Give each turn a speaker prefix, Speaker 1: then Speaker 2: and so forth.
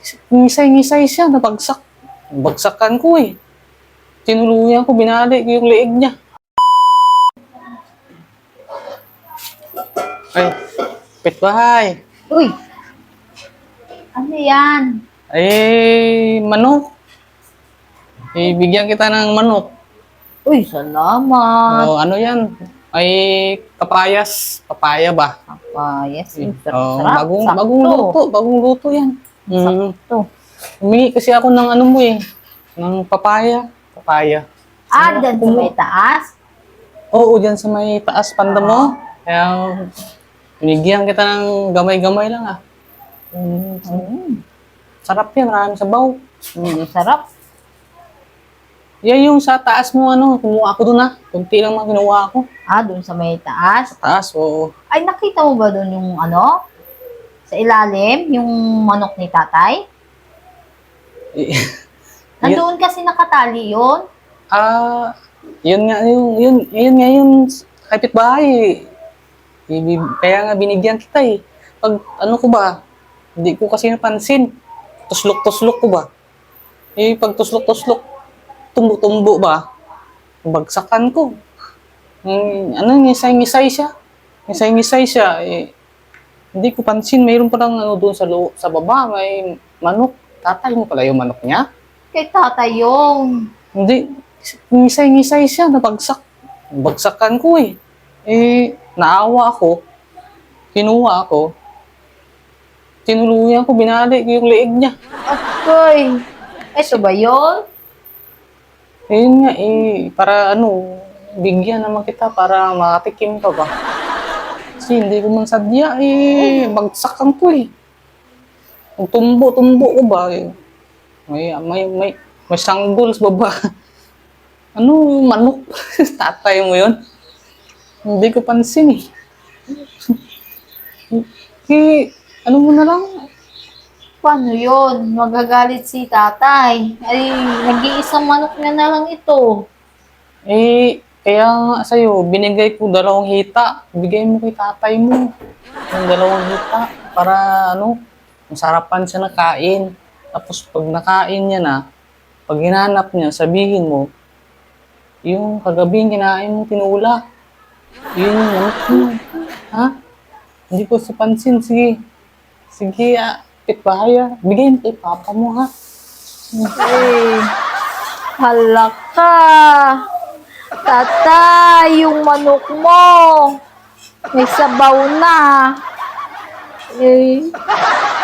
Speaker 1: Ngisay-ngisay siya, nabagsak. Bagsakan ko eh. Tinuluyan ko, binali ko yung leeg niya. Ay, pitbahay.
Speaker 2: Uy! Ano yan?
Speaker 1: Ay, manok. Bigyan kita ng manok.
Speaker 2: Uy, salamat.
Speaker 1: O, ano yan? Ay, kapayas. Papaya ba?
Speaker 2: Papayas.
Speaker 1: Oh,
Speaker 2: Sarap.
Speaker 1: bagong luto yan.
Speaker 2: Sakto.
Speaker 1: Humingi kasi ako ng ano mo eh, ng papaya. Papaya.
Speaker 2: Dyan sa may taas?
Speaker 1: Oo, dyan sa may taas panda mo. Kaya, binigyan kita ng gamay-gamay lang ah. Sarap yan, maraming sabaw.
Speaker 2: Sarap.
Speaker 1: Yan yung sa taas mo, ano, kumuha ako doon ah. Kunti lang mga kinuha ako.
Speaker 2: Doon sa may taas?
Speaker 1: Taas, oo.
Speaker 2: Ay, nakita mo ba doon yung ano? Sa ilalim, yung manok ni tatay? Nandoon kasi nakatali yun.
Speaker 1: Yun nga yung kapitbahay. Kaya nga binigyan kita eh. Pag ano ko ba, hindi ko kasi napansin. Tuslok-tuslok ko ba? Pag tuslok-tuslok, tumbo-tumbo ba? Bagsakan ko. Ngisay-ngisay siya. Ngisay-ngisay siya. Hindi ko pansin, mayroon pa lang ano doon sa baba, may manok. Tatay mo pala yung manok niya?
Speaker 2: Kay tatay yung.
Speaker 1: Hindi, ngisay-ngisay siya, nabagsak. Bagsakan ko eh. Naawa ako, kinuha ako, tinuluyan ko, binali ko yung leeg niya.
Speaker 2: Akoy, eto ba yun?
Speaker 1: Ayun nga para ano, bigyan naman kita para makatikim ka ba. Kasi hindi ko man sadya bagsakan ko eh. Tumbo-tumbo ko ba may sanggol sa baba. Ano, manok? Tatay mo yun? Hindi ko pansin eh. Ano mo na lang?
Speaker 2: Paano yun? Magagalit si tatay. Ay, nag-iisang manok na lang ito.
Speaker 1: Kaya nga sa'yo, binigay ko 2 hita. Bigay mo kay tatay mo. Yung 2 hita. Para ano, masarapan siya na kain. Tapos pag nakain niya na, pag hinanap niya, sabihin mo, yung kagabing kinain mo tinula. Yun yung manok mo. Ha? Hindi ko sa pansin. Sige. Sige, pitbahay ah. Bigay mo kay papa mo ha.
Speaker 2: Ay, halaka. Tatay, yung manok mo. May sabaw na. Eh,